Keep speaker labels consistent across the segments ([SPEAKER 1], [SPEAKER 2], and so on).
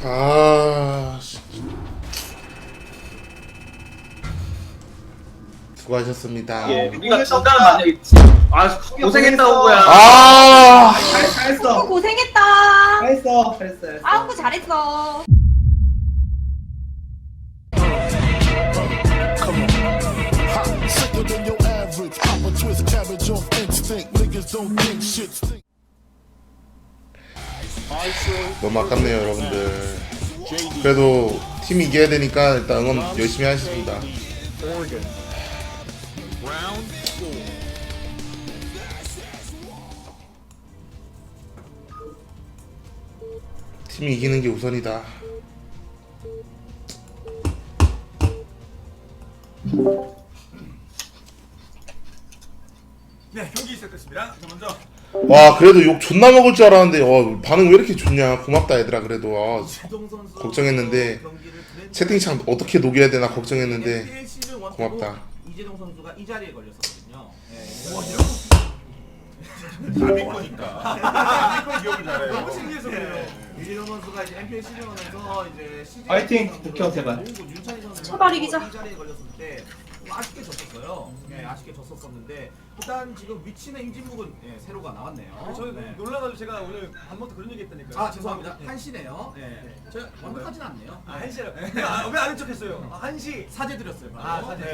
[SPEAKER 1] 아, 수고하셨습니다.
[SPEAKER 2] 예, 우리가 진다는 말이 아 고생했다고 거야.
[SPEAKER 1] 아,
[SPEAKER 3] 잘했어.
[SPEAKER 4] 고생했다.
[SPEAKER 3] 잘했어.
[SPEAKER 4] 아우 잘했어.
[SPEAKER 5] Sicker than your average. Pop a twist, cabbage off instinct. Niggas don't think shit stink.
[SPEAKER 1] 너무 아깝네요, 여러분들. 그래도 팀 이겨야 되니까 일단 응원 열심히 하겠습니다. 팀이 이기는 게 우선이다.
[SPEAKER 6] 네, 경기 시작됐습니다. 자, 먼저
[SPEAKER 1] 와, 그래도 욕 존나 먹을 줄 알았는데 반응 왜 이렇게 좋냐. 고맙다 얘들아. 그래도
[SPEAKER 6] 최동 선수
[SPEAKER 1] 걱정했는데
[SPEAKER 6] 경기를 드레-
[SPEAKER 1] 채팅창 어떻게 녹여야 되나 걱정했는데
[SPEAKER 6] NPL 시즌 1
[SPEAKER 1] 고맙다.
[SPEAKER 6] 이재동 선수가 이 자리에 걸렸었거든요. 네.
[SPEAKER 7] 남의 거니까. 남의 기억을 잘해요.
[SPEAKER 6] 너무 신기해서 그래요. 이재동 선수가 이제 NPL 시즌 1에서 이제 CJ
[SPEAKER 3] 화이팅, 국형 제발.
[SPEAKER 6] 농구 윤찬희 선수
[SPEAKER 4] 제발 이기자.
[SPEAKER 6] 이 자리에 걸렸을 때 아쉽게 졌었어요. 네, 아쉽게 졌었었는데 일단 지금 위치는 임진묵은 새로가 나왔네요.
[SPEAKER 8] 저는
[SPEAKER 6] 네.
[SPEAKER 8] 놀라가지고 제가 오늘 밥 먹다 그런 얘기 했다니까요.
[SPEAKER 6] 아 죄송합니다. 한시네요. 네. 제가 완벽하진 않네요.
[SPEAKER 8] 아, 한시라. 왜 아는 척했어요? 아, 한시.
[SPEAKER 6] 사죄 드렸어요. 바로.
[SPEAKER 8] 아, 사죄.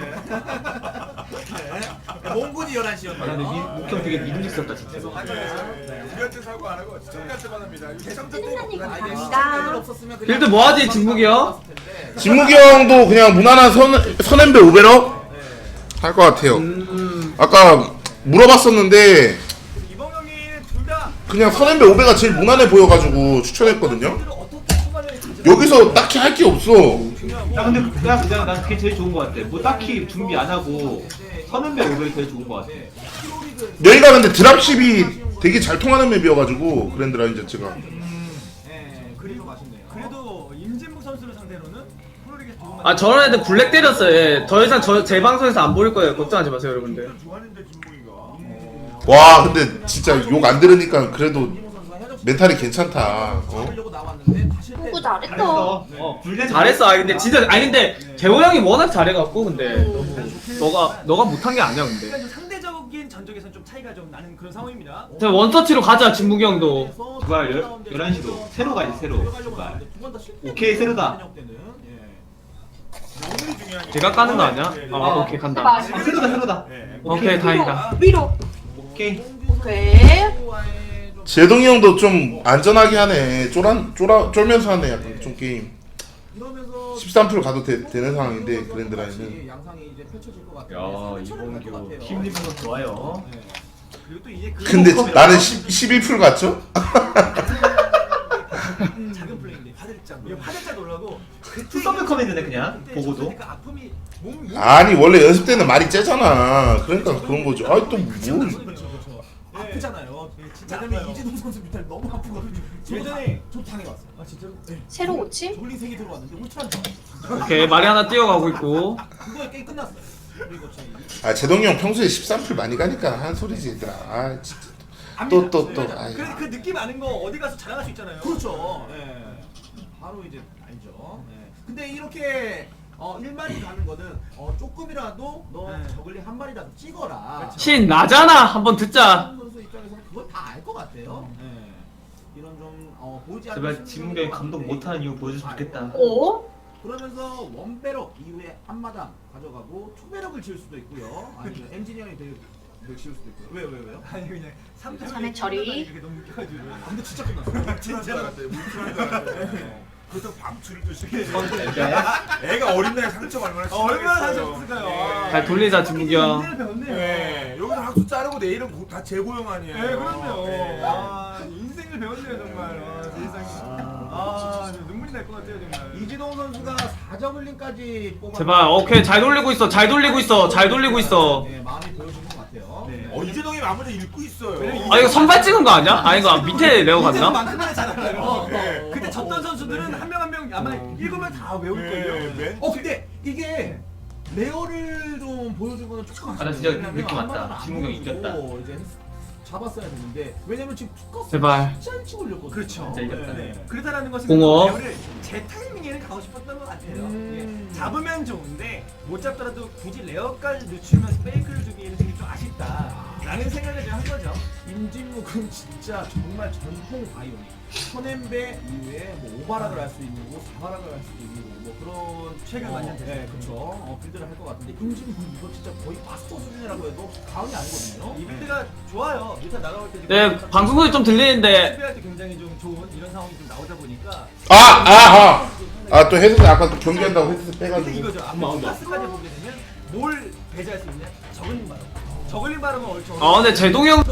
[SPEAKER 6] 네. 몽군이 11시였네요.
[SPEAKER 3] 근데 목형 되게 믿음직스럽다 진짜.
[SPEAKER 7] 우리한테 사고 안 하고 시청자한테만 합니다. 개성적 때문에
[SPEAKER 6] 아, 이게
[SPEAKER 4] 감사합니다.
[SPEAKER 6] 시청자들 없었으면 그냥
[SPEAKER 2] 빌드 뭐하지, 진국이 형?
[SPEAKER 1] 진무기 형도 그냥 무난한 선앤배 5배럭 할 것 같아요. 아까 물어봤었는데
[SPEAKER 8] 이번 경기 둘다
[SPEAKER 1] 그냥 선앤배 5배가 제일 무난해 보여가지고 추천했거든요.
[SPEAKER 8] 어떻게 후반에
[SPEAKER 1] 여기서 딱히 할 게 없어.
[SPEAKER 3] 야 근데 그냥 난 그게 제일 좋은 것 같아. 뭐 딱히 준비 안 하고 선은배 오벨이 제일 좋은 것 같아.
[SPEAKER 1] 여기가 근데 드랍십이 되게 잘 통하는 맵이어가지고 그랜드 라인 자체가.
[SPEAKER 6] 그리고 맛있네요.
[SPEAKER 8] 그래도 임진묵 선수를 상대로는 프로리그 좋은
[SPEAKER 2] 아 저런 애들 블랙 때렸어요. 예. 더 이상 제 방송에서 안 보일 거예요. 걱정하지 마세요, 여러분들.
[SPEAKER 7] 좋아하는데 진봉이가.
[SPEAKER 1] 와, 근데 진짜 욕 안 들으니까 그래도 멘탈이 괜찮다.
[SPEAKER 6] 하려고 나왔는데 다시
[SPEAKER 4] 공부
[SPEAKER 3] 잘했어.
[SPEAKER 4] 잘했어.
[SPEAKER 3] 불대
[SPEAKER 2] 잘했어. 아 근데 진짜 아니 근데 재호 형이 워낙 잘해갖고 근데 너가 못한 게 아니야 근데.
[SPEAKER 8] 그러니까 좀 상대적인 전적에서는 좀 차이가 좀 나는 그런 상황입니다.
[SPEAKER 2] 자 원터치로 가자 진무기 형도.
[SPEAKER 3] 제발 11시로 새로 가야지 새로. 제발. 오케이, 새로다.
[SPEAKER 7] 오늘이 중요한 게.
[SPEAKER 2] 제가 까는 거 아니야? 아 오케이 간다.
[SPEAKER 4] 제발.
[SPEAKER 3] 새로다.
[SPEAKER 2] 오케이 다행이다.
[SPEAKER 4] 위로.
[SPEAKER 3] 오케이.
[SPEAKER 4] 오케이.
[SPEAKER 1] 제동이 형도 좀 안전하게 하네. 쫄면서 하네. 약간 좀 게임. 13% 가도 되는 상황인데 그랜드 라인은.
[SPEAKER 6] 양상이 이제 펼쳐질 것
[SPEAKER 3] 야
[SPEAKER 6] 같아요.
[SPEAKER 3] 이봉규 팀 리뷰는 좋아요.
[SPEAKER 8] 그리고 또 이제 그
[SPEAKER 1] 근데 나는 11% 같죠?
[SPEAKER 8] 작은 플레이인데 화들짝 놀라고
[SPEAKER 3] 투썸을 커맨드네 그냥 보고도.
[SPEAKER 8] 그러니까 아픔이 몸 위.
[SPEAKER 1] 아니 원래 연습 때는 말이 째잖아. 그러니까 그런 거죠. 아니 또 뭐.
[SPEAKER 6] 아프잖아요.
[SPEAKER 8] 진짜
[SPEAKER 6] 왜냐면
[SPEAKER 8] 아파요.
[SPEAKER 6] 이재동 선수 밑에 너무 아프거든요.
[SPEAKER 8] 예전에
[SPEAKER 6] 저 당해봤어요.
[SPEAKER 8] 아 진짜로?
[SPEAKER 4] 새로 고침?
[SPEAKER 6] 졸린색이 들어왔는데 울트라는 줄 알았어요.
[SPEAKER 2] 오케이 말이 하나 뛰어가고 있고.
[SPEAKER 6] 그거에 게임 끝났어요. 그리고 저희
[SPEAKER 1] 아 제동이 형 평소에 13% 많이 가니까 한 소리지 얘들아. 아 진짜. 또. 아이.
[SPEAKER 8] 그 느낌 아는 거 어디 가서 자랑할 수 있잖아요.
[SPEAKER 6] 그렇죠. 예. 바로 이제 알죠. 예. 근데 이렇게 1마리 가는 거는 조금이라도 너
[SPEAKER 8] 네.
[SPEAKER 6] 저글링 한 마리라도 찍어라.
[SPEAKER 2] 신 나잖아. 한번 듣자.
[SPEAKER 6] 이재동 선수 입장에서는 그걸 다 알 것 같아요. 예. 이런 좀 보이지 않는
[SPEAKER 3] 제발 진무경이 감독 못하는 이유 보여줬으면 좋겠다.
[SPEAKER 4] 오.
[SPEAKER 6] 그러면서 원배럭 이후에 한마당 가져가고 투배럭을 지을 수도 있고요. 아니면 엔지니어링 대를 지을 수도 있고요. 왜요?
[SPEAKER 8] 아니 그냥 3점
[SPEAKER 4] 자네 처리.
[SPEAKER 8] 이게 너무 웃겨가지고.
[SPEAKER 6] 근데 진짜 끝났어요.
[SPEAKER 8] 진짜로.
[SPEAKER 7] 그렇다고 방출을 또 시키지.
[SPEAKER 3] 진짜야?
[SPEAKER 7] 애가 어린 나이에 상처 얼마나
[SPEAKER 8] 얼마나
[SPEAKER 7] 심하겠어요.
[SPEAKER 8] 하셨을까요?
[SPEAKER 2] 잘 돌리자 진무기 형.
[SPEAKER 8] 인생을 배웠네요.
[SPEAKER 7] 네, 여기서 학수 자르고 내일은 다 재고용 아니에요.
[SPEAKER 8] 네, 그럼요.
[SPEAKER 7] 네.
[SPEAKER 8] 아, 인생을 배웠네요, 정말. 아, 세상에. 아, 눈물이 날 것 같아요, 정말.
[SPEAKER 6] 이지동 선수가 4저글링까지 뽑아.
[SPEAKER 2] 제발 오케이 잘 돌리고 있어. 잘 돌리고 있어.
[SPEAKER 6] 네, 마음이 보여주는 것 같아요.
[SPEAKER 8] 네.
[SPEAKER 7] 이재동이 마무리 읽고 있어요.
[SPEAKER 2] 아 이거 선발 찍은 거 아니야? 아 이거 밑에 레오 갔나?
[SPEAKER 8] 만큼만에 잘 알아요.
[SPEAKER 7] 네.
[SPEAKER 8] 그때 졌던 선수들은 한 명 아마 읽으면 다 외울걸요.
[SPEAKER 7] 네.
[SPEAKER 6] 근데 이게 레어를 좀 보여준 거는 조금
[SPEAKER 3] 아, 나 진짜
[SPEAKER 6] 아쉽네요.
[SPEAKER 3] 느낌 왔다.
[SPEAKER 6] 한마디는 안
[SPEAKER 3] 진무경
[SPEAKER 6] 보여주고
[SPEAKER 3] 이겼다.
[SPEAKER 6] 이제 잡았어야 되는데 왜냐면 지금 투커스
[SPEAKER 2] 제발.
[SPEAKER 6] 진짜 일찍 올렸거든요.
[SPEAKER 8] 그렇죠.
[SPEAKER 2] 진짜 이겼다.
[SPEAKER 8] 그러다라는 것은
[SPEAKER 2] 공업.
[SPEAKER 8] 배우를 제 타이밍에는 가고 싶었던 것 같아요. 예. 잡으면 좋은데 못 잡더라도 굳이 레어까지 늦추면서 페이크를 주기에는 되게 좀 아쉽다라는 생각을 좀 한 거죠.
[SPEAKER 6] 임진묵은 진짜 정말 전통 바이오닉. 선엠베 이후에 뭐 오바락을 할 수 있는 거, 사바락을 할 수도 있는 거, 뭐 그런
[SPEAKER 8] 최근 완전 됐어요.
[SPEAKER 6] 네, 그렇죠. 빌드를 할 것 같은데 임진묵 이거 진짜 거의 마스터 수준이라고 해도 과언이 아니거든요.
[SPEAKER 8] 이 빌드가 좋아요. 일단 날아올 때
[SPEAKER 2] 네, 방송국이 좀 들리는데
[SPEAKER 8] 수비할 때 굉장히 좀 좋은 이런 상황이 좀 나오다 보니까
[SPEAKER 1] 또 헤드셋 아까 또 경기한다고 헤드셋
[SPEAKER 8] 근데
[SPEAKER 1] 빼가지고.
[SPEAKER 8] 이거죠. 앞으로 클래스까지 보게 되면 뭘 배제할 수 있냐? 저글링 바람. 저글링 바람은 얼추
[SPEAKER 2] 근데 제동이 형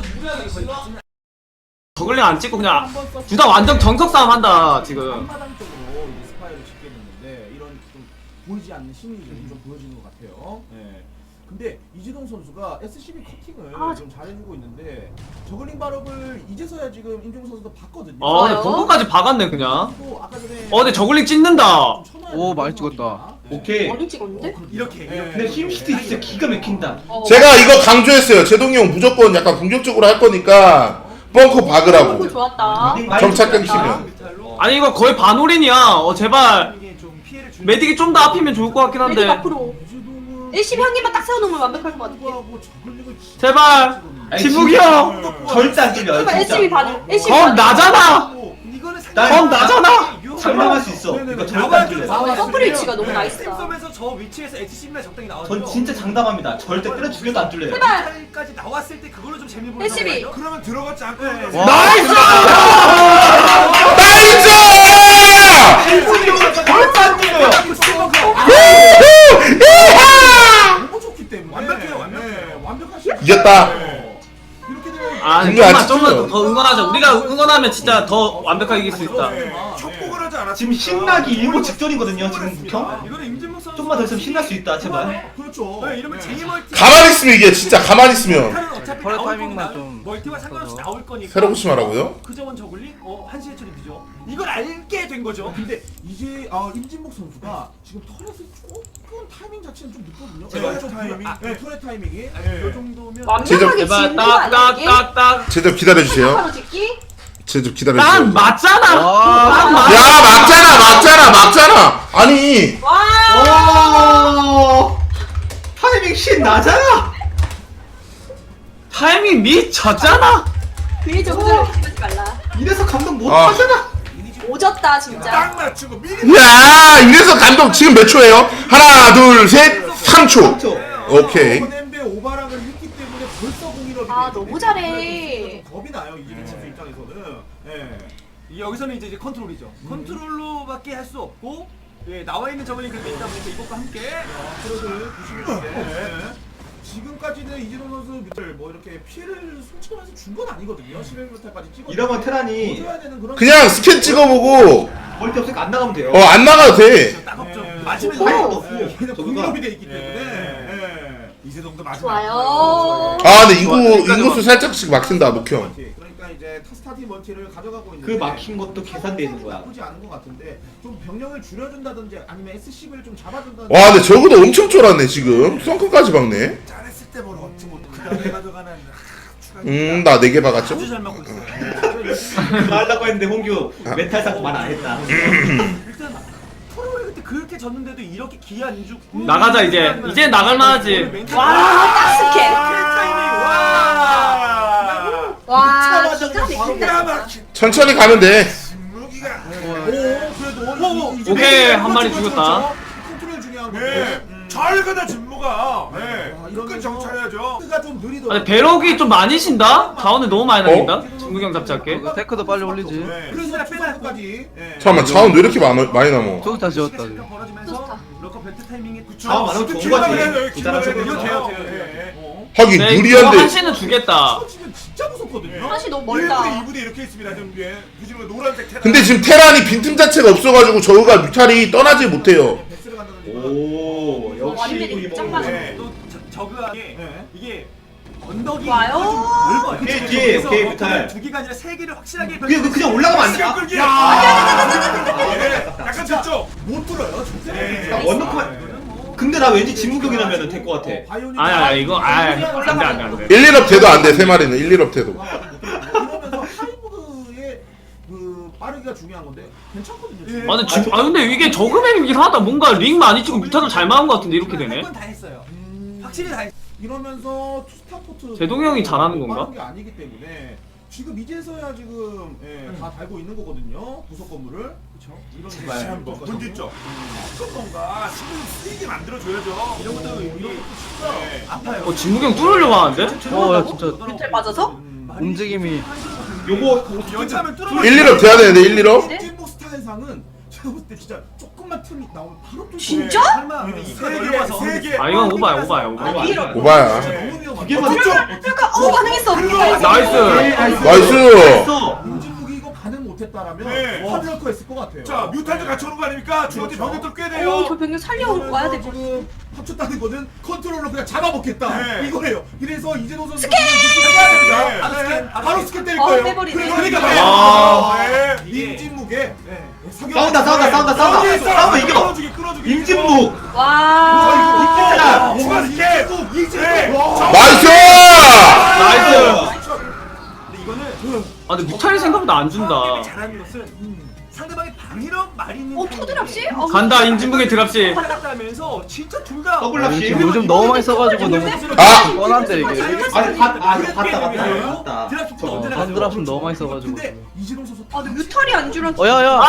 [SPEAKER 2] 저글링 안 찍고 그냥 둘 다 완전 정석 싸움 한다 지금.
[SPEAKER 6] 한마당 쪽으로 이제 스파이를 짓겠는데 이런 좀 보이지 않는 심리전이 좀 보여지는 것 같아요. 네. 근데 이지동 선수가 SCB 커팅을 좀 잘해주고 있는데 저글링 발업을 이제서야 지금 임종우 선수도 봤거든요.
[SPEAKER 2] 근데 벙커까지 박았네 그냥.
[SPEAKER 6] 또 아까 전에
[SPEAKER 2] 근데 저글링 찍는다.
[SPEAKER 9] 오, 많이 찍었다.
[SPEAKER 3] 오케이.
[SPEAKER 4] 머리 찍었는데?
[SPEAKER 8] 이렇게
[SPEAKER 3] 근데 힘시티 진짜 기가 막힌다.
[SPEAKER 1] 제가 이거 강조했어요. 제동이 형 무조건 약간 공격적으로 할 거니까 벙커
[SPEAKER 4] 너무
[SPEAKER 1] 박으라고.
[SPEAKER 4] 좋았다.
[SPEAKER 1] 정착 끊기면.
[SPEAKER 2] 아니 이거 거의 반올인이야. 제발
[SPEAKER 8] 이게 좀 피해를 주는
[SPEAKER 2] 메딕이 좀 더 앞이면 좋을 것 같긴
[SPEAKER 4] 메딕
[SPEAKER 2] 한데.
[SPEAKER 4] 앞으로.
[SPEAKER 6] 이지동은
[SPEAKER 4] 1심 한 개만 딱 세워놓으면 완벽할 것 같아.
[SPEAKER 6] 하고 저글링을
[SPEAKER 2] 제발 진묵이 형.
[SPEAKER 3] 절대 안 뚫려.
[SPEAKER 4] 그러니까
[SPEAKER 3] 진짜.
[SPEAKER 4] 1심이 반을. 1심이
[SPEAKER 2] 검 나잖아.
[SPEAKER 8] 이거는
[SPEAKER 2] 검 나잖아.
[SPEAKER 3] 장담할 수 있어. 이거 절대 안 뚫려.
[SPEAKER 4] 커플 위치가 너무 나이스다.
[SPEAKER 8] 스팀섬에서 저 위치에서 HCM이 적당히 나와요.
[SPEAKER 3] 전 진짜 장담합니다. 절대 때려 죽여도 안 뚫려요.
[SPEAKER 4] 제발.
[SPEAKER 8] 까지 나왔을 때 그걸로 좀 재미 보는
[SPEAKER 4] SCB.
[SPEAKER 8] 거죠.
[SPEAKER 7] 그러면 들어갔지 않고
[SPEAKER 2] 나이스!
[SPEAKER 3] 절대 안 뚫려요.
[SPEAKER 6] 너무 좋기 때문에
[SPEAKER 8] 완벽해요, 완벽해요.
[SPEAKER 6] 네, 완벽하시.
[SPEAKER 1] 이겼다.
[SPEAKER 6] 이렇게 되면
[SPEAKER 2] 아
[SPEAKER 1] 분명 안
[SPEAKER 2] 좀만
[SPEAKER 1] 찍혀요.
[SPEAKER 2] 더 응원하자. 우리가 응원하면 진짜 더 완벽하게 이길 수 있다.
[SPEAKER 7] 촉복을 하지 않았어.
[SPEAKER 3] 지금 신나기 일보 직전이거든요. 지금 묵형.
[SPEAKER 8] 이거는 임진묵 선수
[SPEAKER 3] 좀만 더 있으면 신날 수 있다. 제발.
[SPEAKER 6] 그렇죠.
[SPEAKER 8] 네, 이러면 제이멀티
[SPEAKER 1] 가만히 있으면 이게 진짜 가만히 있으면.
[SPEAKER 8] 어차피
[SPEAKER 9] 펄
[SPEAKER 8] 나올
[SPEAKER 9] 타이밍만
[SPEAKER 8] 거고
[SPEAKER 9] 좀
[SPEAKER 8] 멀티와 상관없이 나올 거니까
[SPEAKER 1] 새로 고심하라고요?
[SPEAKER 8] 그 저원 저글링? 한시의 처리비죠. 이걸 알게 된 거죠.
[SPEAKER 6] 근데 이제 임진묵 선수가 지금 터렛을 조금 타이밍 자체는 좀 늦거든요.
[SPEAKER 3] 제발.
[SPEAKER 6] 좀
[SPEAKER 7] 타이밍?
[SPEAKER 6] 네, 터렛 타이밍이.
[SPEAKER 8] 이 정도면
[SPEAKER 4] 완벽하게
[SPEAKER 2] 제발
[SPEAKER 4] 짓는 거 아니야 이게?
[SPEAKER 2] 딱딱딱딱.
[SPEAKER 1] 쟤좀 기다려주세요.
[SPEAKER 4] 바로 짓기?
[SPEAKER 1] 쟤좀
[SPEAKER 2] 난
[SPEAKER 1] 기다려주세요.
[SPEAKER 2] 맞잖아.
[SPEAKER 9] 와.
[SPEAKER 2] 난 맞.
[SPEAKER 1] 야 막잖아. 아니
[SPEAKER 4] 와.
[SPEAKER 3] 타이밍 신 나잖아.
[SPEAKER 2] 타이밍 미쳤잖아.
[SPEAKER 4] 괜히 저거를 하지 말라.
[SPEAKER 3] 이래서 감독 못
[SPEAKER 1] 아.
[SPEAKER 3] 하잖아.
[SPEAKER 4] 오졌다 진짜.
[SPEAKER 7] 딱 맞추고 미리
[SPEAKER 1] 야 이래서 감독 지금 몇 초예요? 하나 둘 셋 3초. 오케이.
[SPEAKER 6] 선엠베 오바락을 했기 때문에 벌써 공일업이
[SPEAKER 4] 아, 너무 잘해.
[SPEAKER 6] 좀 겁이 나요 이지동 선수 입장에서는. 예.
[SPEAKER 8] 여기서는 이제 컨트롤이죠. 컨트롤로밖에 할 수 없고 나와 있는 저글링 그렇게 있다 보니까 이것과 함께
[SPEAKER 6] 프로를 부시는데 지금까지는 이지동 선수 뭐 이렇게 피해를 솔직하면서 준 건 아니거든요. 11m까지 찍어.
[SPEAKER 3] 이러면 테란이
[SPEAKER 6] 줘야 되는 그런.
[SPEAKER 1] 그냥 스캔 찍어보고
[SPEAKER 3] 멀티 없으니까 안 나가면 돼요.
[SPEAKER 1] 안 나가도 돼.
[SPEAKER 8] 따갑죠.
[SPEAKER 6] 예.
[SPEAKER 8] 맞으면
[SPEAKER 4] 오.
[SPEAKER 8] 나가도
[SPEAKER 3] 없고
[SPEAKER 6] 얘는
[SPEAKER 3] 저거가
[SPEAKER 6] 공일업이 돼 있기 때문에.
[SPEAKER 7] 예.
[SPEAKER 6] 예.
[SPEAKER 7] 이세동도 마지막.
[SPEAKER 4] 좋아요.
[SPEAKER 1] 아 근데 인구수 살짝씩 막힌다 목형.
[SPEAKER 6] 그러니까 이제 스타팅 멀티를 가져가고 있는데
[SPEAKER 3] 그 막힌 것도 계산돼 있는 거야.
[SPEAKER 6] 나쁘지 않은 것 같은데 좀 병력을 줄여준다든지 아니면 SCV를 좀 잡아준다든지.
[SPEAKER 1] 와 근데 저거도 엄청 쫄았네 지금. 썬크까지 박네.
[SPEAKER 7] 잘했을 때 뭘 얻지 못. 그다음에 가져가는 추가.
[SPEAKER 1] 나 4개 박았죠?
[SPEAKER 8] 아주 잘 맞고 있어요.
[SPEAKER 3] 그거 하려고 했는데 홍규 멘탈 쌓고 말 안 했다.
[SPEAKER 8] 일단 프로에 그때 그렇게 졌는데도 이렇게 기회 안 주고
[SPEAKER 2] 나가자, 이제 나갈 만하지.
[SPEAKER 4] 와, 딱 스캔.
[SPEAKER 8] 타이밍 와.
[SPEAKER 4] 와, 기가
[SPEAKER 7] 기가
[SPEAKER 4] 막힌다.
[SPEAKER 7] 막힌
[SPEAKER 1] 천천히 가면 돼.
[SPEAKER 7] 진무기가.
[SPEAKER 6] 그래도
[SPEAKER 2] 오케이, 한 마리 죽였다.
[SPEAKER 6] 컨트롤 중요한
[SPEAKER 7] 네.
[SPEAKER 6] 건데.
[SPEAKER 7] 잘 가다 진무가. 네.
[SPEAKER 6] 이러면서
[SPEAKER 7] 끝 정찰해야죠.
[SPEAKER 6] 스가 좀 느리더라고요.
[SPEAKER 2] 근데 배럭이 좀 많이 신다? 자원을 너무 많이 남긴다? 중국형 잡지 않게.
[SPEAKER 9] 이거 테크도 빨리 올리지.
[SPEAKER 7] 네.
[SPEAKER 6] 그래서 투사까지.
[SPEAKER 1] 잠깐만 자원 왜 이렇게 많이 남어?
[SPEAKER 9] 저기 다 지웠다. 지금.
[SPEAKER 8] 벌어지면서 럭커 벨트 타이밍에
[SPEAKER 3] 자원 많으면 좋은 거지. 부자라서
[SPEAKER 8] 이거 돼요,
[SPEAKER 3] 그렇죠.
[SPEAKER 8] 돼요.
[SPEAKER 1] 하긴
[SPEAKER 2] 네, 이거
[SPEAKER 1] 유리한데
[SPEAKER 2] 한시는 주겠다.
[SPEAKER 6] 치면 진짜 무섭거든요.
[SPEAKER 4] 사실 너무 멀다.
[SPEAKER 7] 1부대 2부대 이렇게 있습니다. 좀 예. 보시는 거 노란색 테란.
[SPEAKER 1] 근데 지금 테란이 빈틈 자체가 없어가지고 저우가 뮤탈이 떠나지 못해요.
[SPEAKER 6] 베스를 간다든지.
[SPEAKER 3] 오 역시
[SPEAKER 4] 완전히
[SPEAKER 3] 우리
[SPEAKER 4] 짱
[SPEAKER 3] 뭐.
[SPEAKER 4] 맞아.
[SPEAKER 7] 네.
[SPEAKER 8] 또 저그하게
[SPEAKER 6] 네.
[SPEAKER 8] 이게 언덕이
[SPEAKER 4] 와요.
[SPEAKER 8] 좀 넓어요.
[SPEAKER 3] 뒤에,
[SPEAKER 8] 그래서
[SPEAKER 3] 뒤에,
[SPEAKER 8] 그래서
[SPEAKER 3] 오케이,
[SPEAKER 8] 럭커를
[SPEAKER 3] 뮤탈.
[SPEAKER 8] 두 개가 아니라 세 개를 확실하게
[SPEAKER 3] 그냥 올라가면 안 돼.
[SPEAKER 7] 시간 끌기.
[SPEAKER 3] 야.
[SPEAKER 7] 예. 약간 됐죠.
[SPEAKER 6] 못 들어요.
[SPEAKER 7] 네.
[SPEAKER 3] 원노크만 근데 나 왠지 진무경이라면 될 것 같아.
[SPEAKER 2] 아니 이거 안돼
[SPEAKER 1] 1, 1업 돼도 안 돼. 3마리는 1, 1업 돼도.
[SPEAKER 6] 이러면서 하이브의 그 빠르기가 중요한 건데 괜찮거든요.
[SPEAKER 2] 근데 이게 저금액이긴 하다. 뭔가 링 많이 치고 뮤타도 잘 막은 것 같은데 이렇게 되네.
[SPEAKER 8] 다 했어요. 확실히 다 했어.
[SPEAKER 6] 이러면서 투스타포트
[SPEAKER 2] 제동이 형이 잘하는 건가?
[SPEAKER 6] 빠른 게 아니기 때문에 지금 이제서야 지금 다 달고 있는 거거든요. 부속 건물을. 그렇죠.
[SPEAKER 7] 다시 한번 문제점. 어떤 건가 신경 쓰이게 만들어줘야죠.
[SPEAKER 8] 이런 것도 이런 것도 진짜 아파요.
[SPEAKER 2] 진무경 뚫으려고 하는데?
[SPEAKER 9] 야 진짜
[SPEAKER 4] 뮤탈 맞아서?
[SPEAKER 9] 움직임이.
[SPEAKER 3] 요거
[SPEAKER 8] 연차하면 뚫어.
[SPEAKER 1] 1, 1업 돼야 되는데 1, 1업?
[SPEAKER 6] 찐목 스타일상은 제가 봤을 때 진짜 조금만 틈이 나오면 바로 뚫고.
[SPEAKER 4] 진짜?
[SPEAKER 8] 설마
[SPEAKER 7] 세 개.
[SPEAKER 2] 아 이건 오바야.
[SPEAKER 1] 오바야.
[SPEAKER 6] 너무 위험하다.
[SPEAKER 3] 개만
[SPEAKER 4] 그러니까 반응했어.
[SPEAKER 2] 나이스.
[SPEAKER 1] 나이스.
[SPEAKER 6] 임진묵이 이거 반응 못했다라면
[SPEAKER 7] 네.
[SPEAKER 6] 화를 했을 것 같아요.
[SPEAKER 7] 자 뮤탈도 같이 오는 거 아닙니까? 중앙대 병력들 꽤
[SPEAKER 4] 저
[SPEAKER 7] 돼요.
[SPEAKER 4] 병력 살려와야 돼.
[SPEAKER 6] 지금 합쳤다는 거는 컨트롤로 그냥 잡아먹겠다
[SPEAKER 7] 네.
[SPEAKER 6] 이거예요. 이래서 이재동 선수
[SPEAKER 4] 스캔!
[SPEAKER 6] 해야 됩니다.
[SPEAKER 7] 네.
[SPEAKER 6] 바로 스캔, 바로 스캔 때릴
[SPEAKER 4] 어,
[SPEAKER 6] 거예요.
[SPEAKER 4] 빼버리네.
[SPEAKER 6] 그러니까
[SPEAKER 7] 네.
[SPEAKER 6] 임진묵의
[SPEAKER 3] 싸운다. 싸우면 이겨.
[SPEAKER 7] 끌어주기.
[SPEAKER 3] 임진묵.
[SPEAKER 4] 와.
[SPEAKER 7] 추가 스캔. 이제.
[SPEAKER 1] 나이스!
[SPEAKER 2] 나이스.
[SPEAKER 8] 근데 이거는
[SPEAKER 2] 근데 뮤탈이 생각보다 안 준다.
[SPEAKER 8] 게임을 잘하는 것은 상대방이 방위력 마리는
[SPEAKER 4] 투드랍시?
[SPEAKER 2] 간다 인진묵의 드랍시.
[SPEAKER 8] 하면서 진짜 둘다
[SPEAKER 3] 더블 랍시.
[SPEAKER 9] 지금 요즘 너무 많이 써가지고 너무
[SPEAKER 1] 아!
[SPEAKER 9] 뻔한데 이게.
[SPEAKER 3] 아니 이거 봤다.
[SPEAKER 8] 드랍십도 언제나
[SPEAKER 9] 반드랍은 너무 많이 써가지고.
[SPEAKER 6] 근데 이재동 선수
[SPEAKER 4] 아, 근데 뮤탈이 안 줄었어.
[SPEAKER 9] 어야야.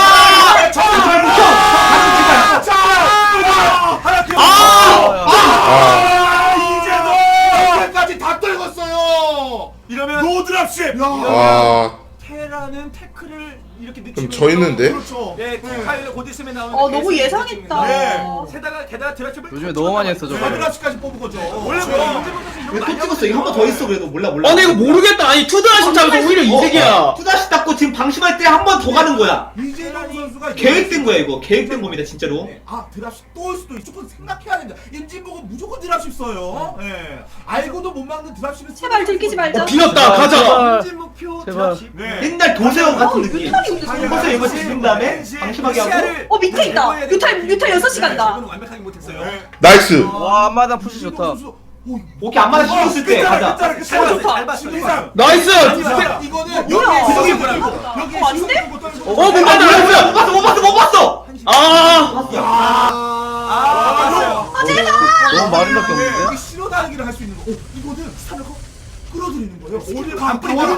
[SPEAKER 6] 이제도 다 떨궜어요.
[SPEAKER 7] 이러면 노드랍십.
[SPEAKER 1] 아,
[SPEAKER 8] 테라는 태클을 이렇게
[SPEAKER 1] 좀
[SPEAKER 8] 늦추면서
[SPEAKER 1] 져 있는데?
[SPEAKER 6] 그렇죠.
[SPEAKER 8] 네, 테카일로 곧 있으면 나오는
[SPEAKER 4] 너무 예상했다.
[SPEAKER 8] 게다가 드랍십을
[SPEAKER 9] 요즘에 너무 많이 했어 저거.
[SPEAKER 6] 드랍시까지 뽑은 거죠.
[SPEAKER 8] 원래
[SPEAKER 3] 왜또 찍었어? 이거 한 번 더 있어 그래도 몰라.
[SPEAKER 2] 근데 이거 모르겠다. 아니 투드랍시 차면서 오히려 이득이야.
[SPEAKER 3] 투다시 닦고 지금 방심할 때 한 번 더 가는 거야.
[SPEAKER 6] 이재동 선수가
[SPEAKER 3] 계획된 거야 이거. 계획된 겁니다 진짜로.
[SPEAKER 6] 드랍십 또 올 수도 있어. 조금 생각해야 된다. 임진복은 무조건 드랍십 써요. 예. 알고도 못 막는 드랍십을
[SPEAKER 4] 제발 들키지 말자.
[SPEAKER 2] 비었다. 가자.
[SPEAKER 8] 현재 목표
[SPEAKER 9] 제발.
[SPEAKER 8] 드랍십.
[SPEAKER 7] 네.
[SPEAKER 3] 옛날 도세형 같은 느낌.
[SPEAKER 4] 뮤탈이 근데
[SPEAKER 3] 이것을 이거 지른 다음에 방심하게 하고.
[SPEAKER 4] 밑에 있다. 뮤탈 6시 간다.
[SPEAKER 8] 이건 완벽하게 못했어요.
[SPEAKER 1] 나이스.
[SPEAKER 9] 와 앞마당 푸시 좋다.
[SPEAKER 3] 오케이 안마다 신경 쓸때 가자.
[SPEAKER 8] 잘 봤어.
[SPEAKER 2] 나이스.
[SPEAKER 6] 이거는
[SPEAKER 4] 뭐야?
[SPEAKER 6] 여기
[SPEAKER 4] 여기 아닌데?
[SPEAKER 2] 못 봤다.
[SPEAKER 3] 못 봤어.
[SPEAKER 8] 봤어요.
[SPEAKER 9] 너무 마른밖에 없는데.
[SPEAKER 6] 여기 실어 다니기를 할 수 있는 거. 이거는 스타를 끌어들이는 거예요. 오늘
[SPEAKER 7] 다
[SPEAKER 6] 안
[SPEAKER 7] 와라.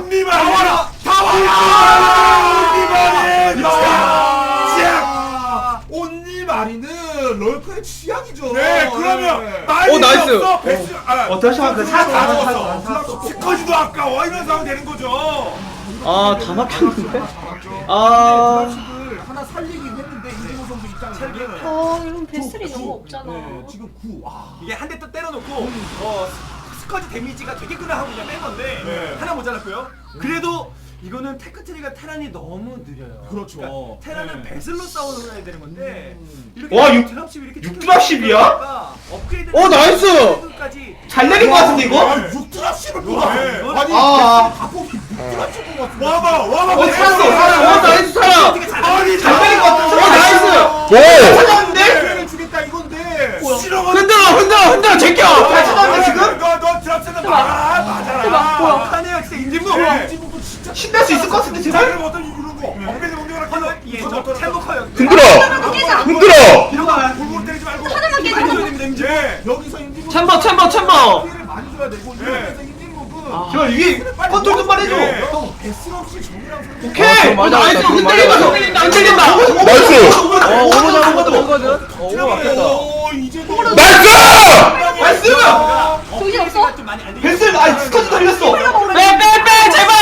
[SPEAKER 6] 온니마리는 럴커의 취향이죠.
[SPEAKER 7] 네, 그러면 말이
[SPEAKER 2] 나이스.
[SPEAKER 7] 없어. 베스.
[SPEAKER 3] 다시 한번
[SPEAKER 7] 스커지도 아까워 이러면서 하면 되는 거죠.
[SPEAKER 2] 다 막혔는데.
[SPEAKER 6] 드랍십을 하나 살리긴 했는데 이재호 선수 입장에서는
[SPEAKER 4] 이런 베슬이 너무 없잖아.
[SPEAKER 6] 지금 9.
[SPEAKER 8] 이게 한 대 또 때려놓고 스커지 데미지가 되게 끄나 하고 그냥 뺀 건데 하나 모자랐고요. 그래도 이거는 테크트리가 테란이 너무 느려요.
[SPEAKER 6] 그렇죠.
[SPEAKER 8] 그러니까 테란은 배슬로 싸워야 되는 건데 이렇게
[SPEAKER 3] 와,
[SPEAKER 8] 드랍십 이렇게
[SPEAKER 3] 6드랍십이야?
[SPEAKER 8] 업그레이드
[SPEAKER 2] 나이스!
[SPEAKER 3] 잘 내린 거 같은데 이거?
[SPEAKER 6] 6드랍십을 뽑아.
[SPEAKER 8] 네.
[SPEAKER 6] 아니
[SPEAKER 3] 아.
[SPEAKER 6] 다 뽑기 6드랍십 뽑았어.
[SPEAKER 7] 와봐.
[SPEAKER 3] 살았어.
[SPEAKER 2] 나이스 살아.
[SPEAKER 7] 아니
[SPEAKER 3] 잘 내린 거 같은데?
[SPEAKER 2] 나이스.
[SPEAKER 1] 오!
[SPEAKER 3] 찾았는데?
[SPEAKER 6] 주겠다 이건데.
[SPEAKER 2] 흔들어 제껴.
[SPEAKER 3] 잘 찾았는데 지금?
[SPEAKER 7] 너 드랍스는 맞아라.
[SPEAKER 8] 하네요 진짜 임진무.
[SPEAKER 6] 임진복도 진짜
[SPEAKER 3] 신날 수 있을 것 같은데
[SPEAKER 7] 자,
[SPEAKER 3] 제발?
[SPEAKER 7] 그럼 어떤 이런 거. 엉덩이 공격을
[SPEAKER 8] 예, 저 템버커요.
[SPEAKER 1] 흔들어!
[SPEAKER 7] 골고루 때리지 말고.
[SPEAKER 4] 하나만 깨져.
[SPEAKER 8] 많이 줘야 됩니다 임진무.
[SPEAKER 7] 예.
[SPEAKER 6] 여기서 임진복
[SPEAKER 2] 챔버.
[SPEAKER 6] 피해를 많이 줘야 되고 이러면서 임진복은
[SPEAKER 3] 제발 위에 컨트롤 좀만 해줘.
[SPEAKER 6] 형 베슬 없이 정이랑 상대.
[SPEAKER 2] 오케이.
[SPEAKER 9] 맞아,
[SPEAKER 2] 나이스.
[SPEAKER 9] 맞아.
[SPEAKER 2] 흔들린다.
[SPEAKER 1] 나이스!
[SPEAKER 9] 오버 잡은 것도 되거든. 오버 맞겠다.
[SPEAKER 6] 이재동
[SPEAKER 1] 나이스!
[SPEAKER 3] 나이스!
[SPEAKER 4] 정신 없어?
[SPEAKER 8] 좀 많이 안 돼.
[SPEAKER 3] 벤슬 스커지 달렸어.
[SPEAKER 2] 빼 제발.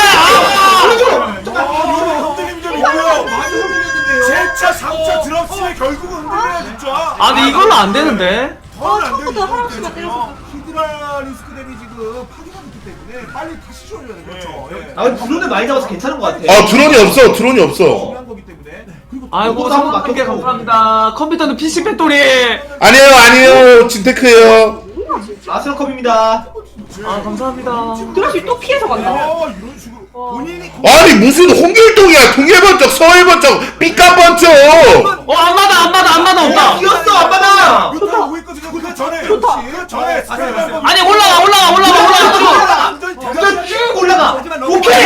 [SPEAKER 7] 흔들림 좀 있고요. 제차 3차 드랍십에 결국은 흔들려야 진짜.
[SPEAKER 2] 근데 이걸로 안 되는데.
[SPEAKER 4] 처음부터 하나씩만 때렸어.
[SPEAKER 6] 히드라 리스크 데미지금 파괴가 있기 때문에 빨리 다시 지워줘야 돼. 그렇죠. 예.
[SPEAKER 3] 아 근데 드론을 많이 잡아서 괜찮은 것 같아.
[SPEAKER 1] 드론이 없어.
[SPEAKER 6] 중요한 거기 때문에. 그리고
[SPEAKER 2] 아이고
[SPEAKER 3] 이거도 한번
[SPEAKER 2] 3개 감사합니다. 컴퓨터는 PC 팩토리.
[SPEAKER 1] 아니에요, 진테크예요.
[SPEAKER 3] 아스런컵입니다.
[SPEAKER 2] 아 감사합니다.
[SPEAKER 4] 드랍시 또 피해서 간다.
[SPEAKER 6] 이런 식으로
[SPEAKER 8] 본인이
[SPEAKER 1] 아니 무슨 홍길동이야. 동해번쩍 서해번쩍 삐까번쩍.
[SPEAKER 2] 안 맞아 없다.
[SPEAKER 3] 이겼어 안 받아.
[SPEAKER 6] 뮤탈 오고 있거든요. 그 전에
[SPEAKER 4] 좋다.
[SPEAKER 6] 그 전에 스페이스
[SPEAKER 2] 아니 올라가
[SPEAKER 3] 그냥 쭉 올라가.
[SPEAKER 8] 오케이.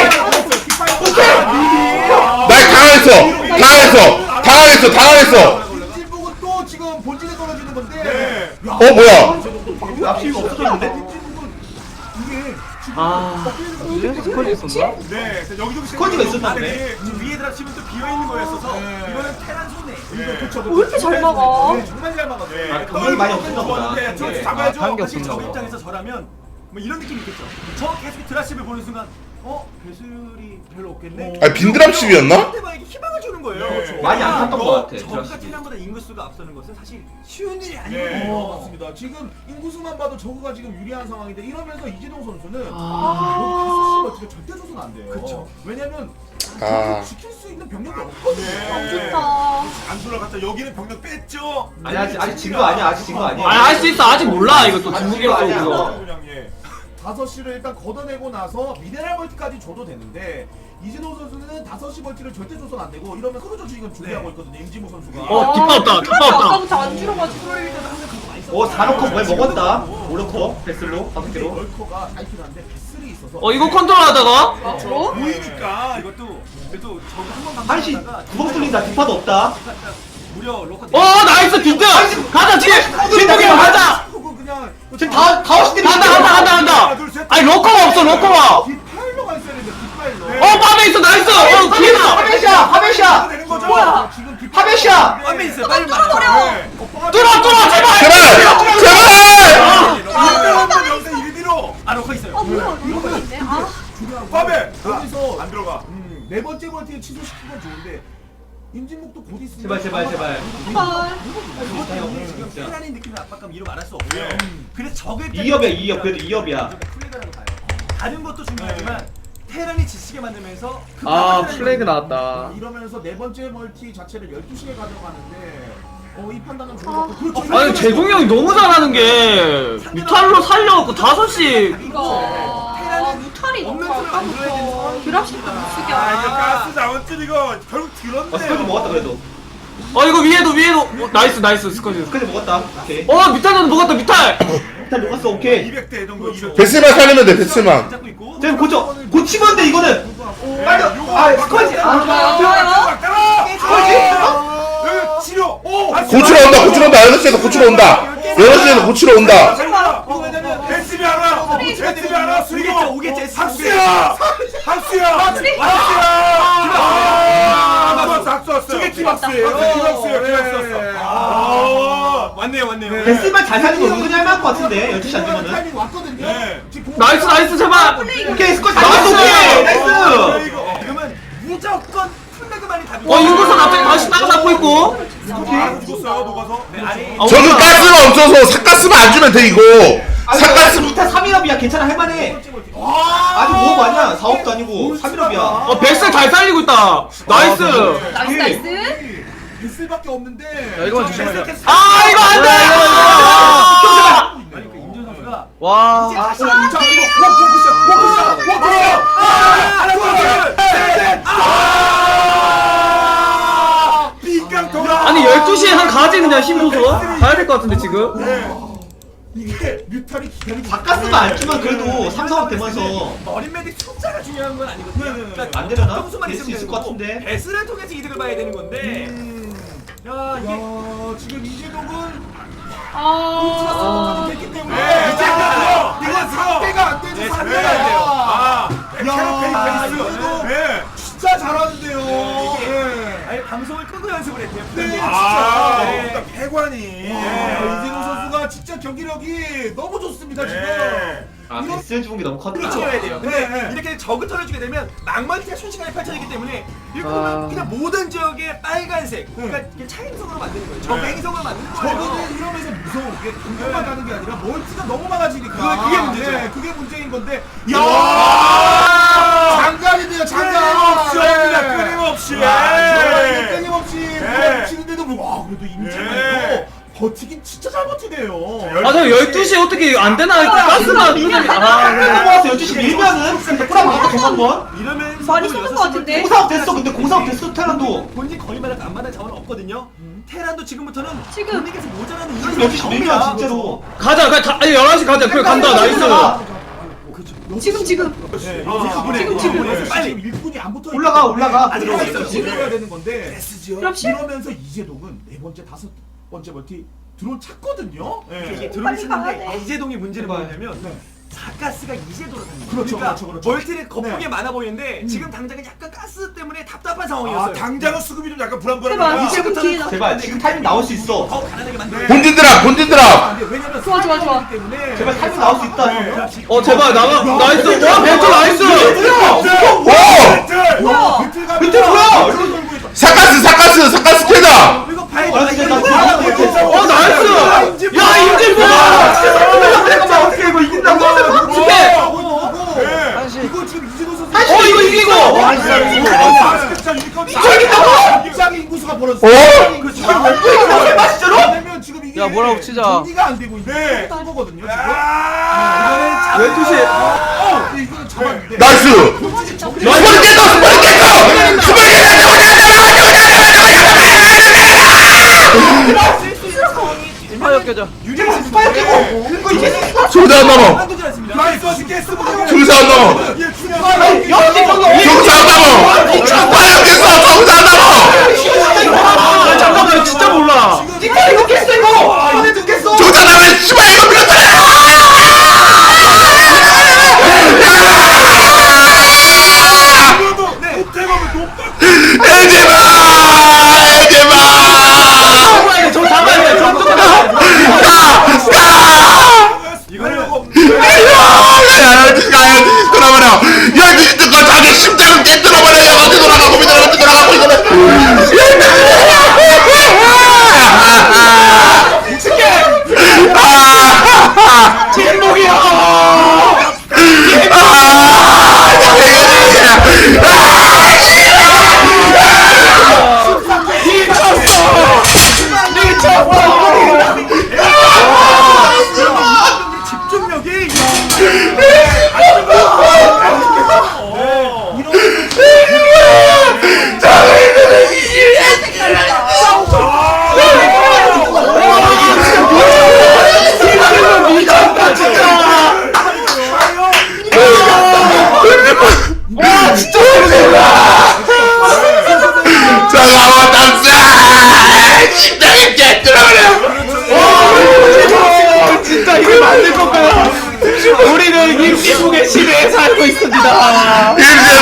[SPEAKER 1] 날 당황했어.
[SPEAKER 6] 임진묵은 또 지금 본진에 떨어지는 건데. 야,
[SPEAKER 1] 뭐야.
[SPEAKER 3] 납치가 없어졌는데?
[SPEAKER 6] 임진묵은 이게 지금
[SPEAKER 2] 아.
[SPEAKER 9] 이래서 스컬지 있었나?
[SPEAKER 8] 네, 여기저기
[SPEAKER 3] 스쿼지가 있었나 보네.
[SPEAKER 8] 지금 위에 드랍치면 또 비어 있는 거였어서 이거는 테란 손해.
[SPEAKER 6] 네.
[SPEAKER 4] 왜 이렇게 잘 막아?
[SPEAKER 6] 네, 정말 잘 막았어요.
[SPEAKER 3] 아, 경력이 많이 없었나 보다.
[SPEAKER 8] 저
[SPEAKER 9] 아,
[SPEAKER 8] 잡아야죠.
[SPEAKER 9] 관계
[SPEAKER 8] 사실
[SPEAKER 9] 없었나
[SPEAKER 8] 저
[SPEAKER 9] 보다.
[SPEAKER 8] 입장에서 저라면 뭐 이런 느낌이 있겠죠. 저 계속 드랍십을 보는 순간 배슬이 별로 없겠네.
[SPEAKER 1] 아니 빈드랍십이었나?
[SPEAKER 8] 상대방에게 희망을 주는 거예요.
[SPEAKER 6] 네.
[SPEAKER 3] 많이 안 탔던 것 같아,
[SPEAKER 8] 저가
[SPEAKER 3] 드랍십이.
[SPEAKER 8] 테란보다 인구수가 앞서는 것은 사실 쉬운 일이
[SPEAKER 6] 네,
[SPEAKER 8] 아니거든요.
[SPEAKER 6] 맞습니다. 지금 인구수만 봐도 저거가 지금 유리한 상황인데 이러면서 이재동 선수는
[SPEAKER 4] 아.
[SPEAKER 6] 여기 5시 절대 줘서는 안 돼요.
[SPEAKER 8] 그쵸.
[SPEAKER 6] 왜냐면
[SPEAKER 1] 아.
[SPEAKER 6] 지킬 수 있는 병력이 없거든요.
[SPEAKER 4] 안 좋다.
[SPEAKER 7] 안 돌아갔다. 여기는 병력 뺐죠.
[SPEAKER 3] 아니 아직 진 거 아니야. 아직 진 거 아니야.
[SPEAKER 2] 할 수 있어. 아직 몰라. 이거 또
[SPEAKER 3] 아직
[SPEAKER 2] 중국이라서
[SPEAKER 3] 아니야.
[SPEAKER 2] 이거.
[SPEAKER 6] 그냥 예. 5시를 일단 걷어내고 나서 미네랄 멀티까지 줘도 되는데 이진호 선수는 5시 멀티를 절대 줘서는 안 되고 이러면 크루저 지금 준비하고 있거든요. 임진모 선수가.
[SPEAKER 2] 뒷바 없다.
[SPEAKER 4] 아까부터 안 줄어가지고.
[SPEAKER 3] 사놓고 뭘 먹었다. 오르코 베슬로 5개로.
[SPEAKER 6] 월커가 타이틀 한데 배슬이 있어서.
[SPEAKER 2] 이거 컨트롤하다가
[SPEAKER 4] 앞으로.
[SPEAKER 8] 보이니까 이것도 그래도 저거 한번
[SPEAKER 3] 한시 구멍 뚫린다. 뒷파도 없다.
[SPEAKER 8] 무려 로커
[SPEAKER 2] 나이스 뒷등. 가자 뒤에. 진동이만 가자.
[SPEAKER 6] 그냥
[SPEAKER 3] 지금 다 오시 때문에
[SPEAKER 2] 간다. 아니 로커가 없어. 로커가.
[SPEAKER 6] 뒷팔로 가 있어야 되는데 뒷팔로.
[SPEAKER 2] 밤에 있어. 나이스. 기회다.
[SPEAKER 3] 하베샤.
[SPEAKER 6] 되는 거죠?
[SPEAKER 4] 뭐야?
[SPEAKER 6] 지금 뒷팔.
[SPEAKER 3] 하베샤.
[SPEAKER 8] 앞에 있어요.
[SPEAKER 4] 빨리 뚫어버려.
[SPEAKER 2] 뚫어 제발.
[SPEAKER 7] 아, 여기서 1위로.
[SPEAKER 8] 로커 있어요.
[SPEAKER 4] 뭐야? 이거 있네. 아.
[SPEAKER 7] 빠베.
[SPEAKER 6] 여기서
[SPEAKER 7] 안 들어가.
[SPEAKER 6] 네 번째 멀티에 취소시킨 건 좋은데 임진묵도 곧 있으면
[SPEAKER 3] 제발.
[SPEAKER 8] 지금 테란의 느낌의 압박감 이루 말할 수 없고요. 그래서 적을
[SPEAKER 3] 2업이야. 그래도 2업이야.
[SPEAKER 8] 플레이라고 봐요. 다른 것도 중요하지만 테란이 지치게 만들면서 그
[SPEAKER 9] 플래그 나왔다.
[SPEAKER 6] 이러면서 네 번째 멀티 자체를 12시에 가져가는데 이 판단은 좋은 것 같고 그렇죠.
[SPEAKER 2] 아니 재동이 형이 너무 잘하는 게 뮤탈로 살려갖고 5시.
[SPEAKER 4] 이거. 무탈이 너무 아까부터 드랍십도 못 쓰게
[SPEAKER 7] 아, 이거
[SPEAKER 4] 하나.
[SPEAKER 7] 가스 나온줄 이거 결국 들었네.
[SPEAKER 3] 스쿼지 먹었다 그래도.
[SPEAKER 2] 이거 위에도. 나이스 스쿼지.
[SPEAKER 3] 스쿼지 먹었다. 오케이.
[SPEAKER 2] 뮤탈도 먹었다 뮤탈.
[SPEAKER 3] 일단 녹았어. 오케이.
[SPEAKER 7] 200대 정도 200.
[SPEAKER 1] 베스만 살리면 돼. 베스만.
[SPEAKER 8] 잡고 있고
[SPEAKER 3] 지금 고치면 돼 이거는. 빨리. 스쿼지.
[SPEAKER 7] 여기 치료.
[SPEAKER 1] 고치러 온다. 6시에서 고치러 온다. 6시에서 고치러 온다.
[SPEAKER 6] 이거 왜냐면
[SPEAKER 7] 베스비 하나. 베스비 하나. 수리고.
[SPEAKER 8] 오겠지.
[SPEAKER 7] 학수야. 학수야. 학수 왔어요.
[SPEAKER 6] 저게 기박스예요.
[SPEAKER 8] 왔네요.
[SPEAKER 3] 베스만 잘 살리고 은근히 할만할 것 같은데 12시 안 되면은.
[SPEAKER 6] 타이밍 왔거든요.
[SPEAKER 7] 네.
[SPEAKER 6] 지금
[SPEAKER 2] 나이스 제발.
[SPEAKER 3] 오케이 스쿼지.
[SPEAKER 2] 나이스, 오케이.
[SPEAKER 3] 나이스.
[SPEAKER 8] 그러면 무조건 플래그만이 답이
[SPEAKER 2] 인구수 갑자기 다시 따라잡고 있고.
[SPEAKER 7] 죽었어요. 녹아서.
[SPEAKER 8] 아니
[SPEAKER 1] 저기 가스가 없어서 삭가스만 안 주면 돼 이거. 삭가스.
[SPEAKER 3] 2타 3일업이야. 괜찮아 할만해. 아직 5업 아니야. 4업도 아니고 3일업이야.
[SPEAKER 2] 백스 잘 살리고 있다. 나이스.
[SPEAKER 4] 나이스.
[SPEAKER 6] 베슬밖에 없는데.
[SPEAKER 9] 야 이거만 조심하자.
[SPEAKER 2] 이거 안 돼.
[SPEAKER 8] 아니 그 임준 선수가
[SPEAKER 9] 와.
[SPEAKER 2] 아니 12시에 한 가지 그냥 힘줘서 가야 될 것 같은데 지금.
[SPEAKER 6] 이게 뮤탈이 기다리고
[SPEAKER 3] 바카스만 안 주면 그래도 3, 4업 되면서
[SPEAKER 8] 어린 메딕 숫자가 중요한 건 아니거든요. 그러니까
[SPEAKER 3] 안 되려나?
[SPEAKER 8] 점수만
[SPEAKER 3] 될 수
[SPEAKER 8] 있으면
[SPEAKER 3] 있을
[SPEAKER 8] 되는
[SPEAKER 3] 것
[SPEAKER 8] 거고
[SPEAKER 3] 같은데.
[SPEAKER 8] 배스를 통해서 이득을 봐야 되는 건데. 야 이게
[SPEAKER 6] 지금 이재동은
[SPEAKER 4] 아.
[SPEAKER 6] 됐기 때문에
[SPEAKER 7] 이제 들어.
[SPEAKER 6] 이건 상대가 안 되죠. 상대가 안 돼요.
[SPEAKER 7] 아.
[SPEAKER 6] 야,
[SPEAKER 7] 페이스. 네.
[SPEAKER 6] 진짜 잘하는데요.
[SPEAKER 8] 아니 방송을 끄고 연습을 했대요.
[SPEAKER 6] 네,
[SPEAKER 7] 아,
[SPEAKER 8] 네.
[SPEAKER 7] 일단 패관이.
[SPEAKER 6] 이재동 선수가 진짜 경기력이 너무 좋습니다 지금.
[SPEAKER 3] 베스 주는 게 너무 컸다.
[SPEAKER 8] 그렇죠 해야 돼요. 근데
[SPEAKER 6] 네.
[SPEAKER 8] 이렇게 적을 털어주게 되면 낭만티가 순식간에 펼쳐지기 때문에 이렇게
[SPEAKER 9] 아.
[SPEAKER 8] 보면 그냥 모든 지역의 빨간색 그러니까 그냥 차행성으로 만드는 거예요. 적 행성으로 만드는 거예요.
[SPEAKER 6] 저거는 이러면서 무서운 게 공격만 가는 게 아니라 멀티가 너무 많아지니까
[SPEAKER 8] 그게 문제죠.
[SPEAKER 6] 네, 그게 문제인 건데
[SPEAKER 7] 야!
[SPEAKER 6] 장관이네요 장관.
[SPEAKER 7] 끊임없이.
[SPEAKER 6] 야, 끊임없이
[SPEAKER 7] 네.
[SPEAKER 6] 치는데도 와 그래도 임창관도
[SPEAKER 7] 네.
[SPEAKER 6] 버티긴 진짜 잘 잘 버티네요.
[SPEAKER 2] 아, 저 12시에 어떻게 안 되나? 가스나 이게
[SPEAKER 3] 모아서 12시 밀면은 100% 막아 정한번
[SPEAKER 8] 이러면
[SPEAKER 4] 많이 쏘는 것 같은데?
[SPEAKER 3] 공사업 됐어. 근데 공사업 됐어 테란도.
[SPEAKER 8] 본진 거리마다 안마다 자원 없거든요. 테란도 지금부터는
[SPEAKER 4] 지금.
[SPEAKER 8] 본인께서 모자라는
[SPEAKER 3] 그럼
[SPEAKER 8] 이유가
[SPEAKER 3] 12시 밀면 진짜로.
[SPEAKER 2] 가자. 그냥 다 11시 가자. 그래 간다. 나이스.
[SPEAKER 4] 지금
[SPEAKER 6] 지금
[SPEAKER 8] 빨리.
[SPEAKER 6] 일꾼이 안 붙어
[SPEAKER 3] 올라가.
[SPEAKER 6] 아직
[SPEAKER 8] 들어가
[SPEAKER 6] 있어.
[SPEAKER 8] 있어.
[SPEAKER 6] 들어가야 되는 건데.
[SPEAKER 4] 그렇지?
[SPEAKER 6] 이러면서 이재동은 네 번째, 다섯 번째 멀티 드론 찾거든요.
[SPEAKER 8] 이게
[SPEAKER 6] 예.
[SPEAKER 8] 드론
[SPEAKER 4] 빨리 가야
[SPEAKER 8] 쓰는데
[SPEAKER 4] 돼.
[SPEAKER 8] 이재동의 문제는
[SPEAKER 6] 네.
[SPEAKER 8] 뭐냐면
[SPEAKER 6] 네.
[SPEAKER 8] 가스가 이제 돌아다니는
[SPEAKER 6] 그렇죠,
[SPEAKER 8] 그러니까
[SPEAKER 6] 그렇죠.
[SPEAKER 8] 멀티는 거품이
[SPEAKER 6] 네.
[SPEAKER 8] 많아 보이는데 지금 당장은 약간 가스 때문에 답답한
[SPEAKER 7] 아
[SPEAKER 8] 상황이었어요.
[SPEAKER 7] 당장은 수급이 좀 약간
[SPEAKER 4] 제발
[SPEAKER 7] 불안불안하다.
[SPEAKER 4] 지금 기회다.
[SPEAKER 3] 제발 지금 타이밍 나올 수 있어.
[SPEAKER 8] 더 가난하게 만들어.
[SPEAKER 1] 본진 드랍
[SPEAKER 6] 안 돼. 왜냐면
[SPEAKER 4] 좋아.
[SPEAKER 6] 싸움이기 때문에
[SPEAKER 3] 제발 타이밍 나올 수 있다. 형.
[SPEAKER 2] 제발 나가. 나이스. 와, 벤트 나이스.
[SPEAKER 6] 뭐야?
[SPEAKER 3] 밑에 뭐야?
[SPEAKER 1] 사카스 캐다.
[SPEAKER 8] 이거 봐야
[SPEAKER 3] 아,
[SPEAKER 8] 돼.
[SPEAKER 3] 진짜 나 들어가는 거 못했어.
[SPEAKER 2] 와, 나이스. 야, 임진모.
[SPEAKER 3] 잠깐만 어떻게 이거 이긴다고?
[SPEAKER 6] 이거 지금 이재동 선수
[SPEAKER 2] 이거 이기고.
[SPEAKER 3] 와 진짜 이거.
[SPEAKER 6] 입장의 인구수가 벌어졌어. 왜냐면 지금 이게
[SPEAKER 9] 야, 뭐라고 치자.
[SPEAKER 6] 정리가 안 되고 있는 거거든요. 지금.
[SPEAKER 7] 아,
[SPEAKER 2] 12시.
[SPEAKER 6] 이거는 잡았는데.
[SPEAKER 1] 나이스. 스파리
[SPEAKER 9] 스파이어 껴져.
[SPEAKER 3] 유재석 스파이어 끼고 그거 이제
[SPEAKER 1] 조사 안 넘어.
[SPEAKER 8] 한두지 않습니다.
[SPEAKER 7] 나이스 게스
[SPEAKER 1] 조사 안 넘어.
[SPEAKER 3] 역시 저기
[SPEAKER 1] 조사 안 넘어. 과연 됐어. 조사 안 넘어.
[SPEAKER 2] 잠깐만, 진짜 몰라.
[SPEAKER 3] 진짜 이거 깼어 이거. 이번에 듣겠어.
[SPEAKER 1] 조사 나면 씨발 이거 밀었잖아.
[SPEAKER 2] 잡아야 돼. 저 잡아야 돼. 저 무조건 잡아야 돼.
[SPEAKER 1] 돌아버려. 여기 듣고 자기 심장을 깨뜨려버려. 어디 돌아가고 어디 돌아가고 이거는.
[SPEAKER 8] 집중력이
[SPEAKER 1] 잠깐만 남자 심장을 깨뜨려버려.
[SPEAKER 2] 진짜 이거 만들 건가요? 우리는 임시국의 시대에 살고 있습니다.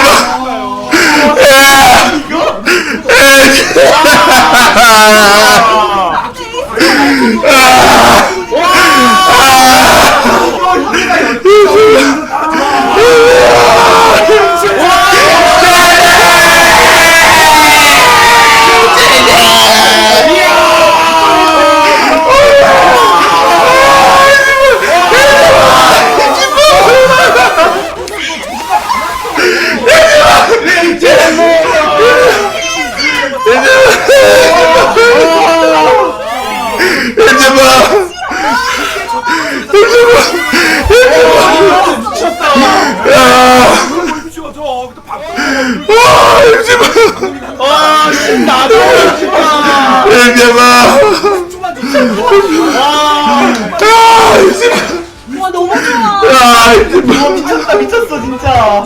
[SPEAKER 4] 와 너무 좋아.
[SPEAKER 3] 미쳤다 미쳤어 진짜.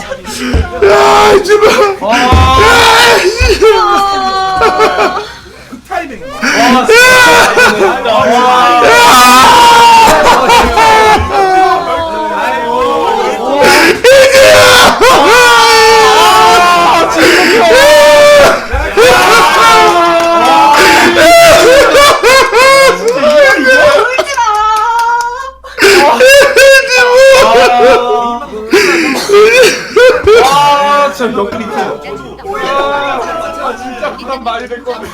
[SPEAKER 6] 그 타이밍.
[SPEAKER 2] 진짜 몇 그리
[SPEAKER 7] 진짜 그런 말이 될 건데.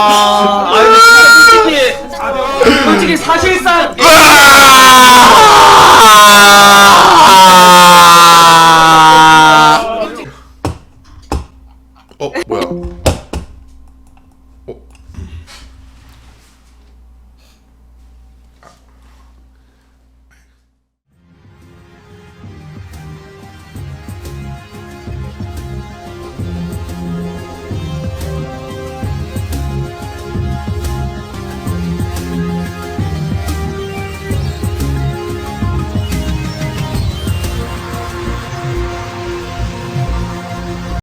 [SPEAKER 2] 아니 솔직히 사실상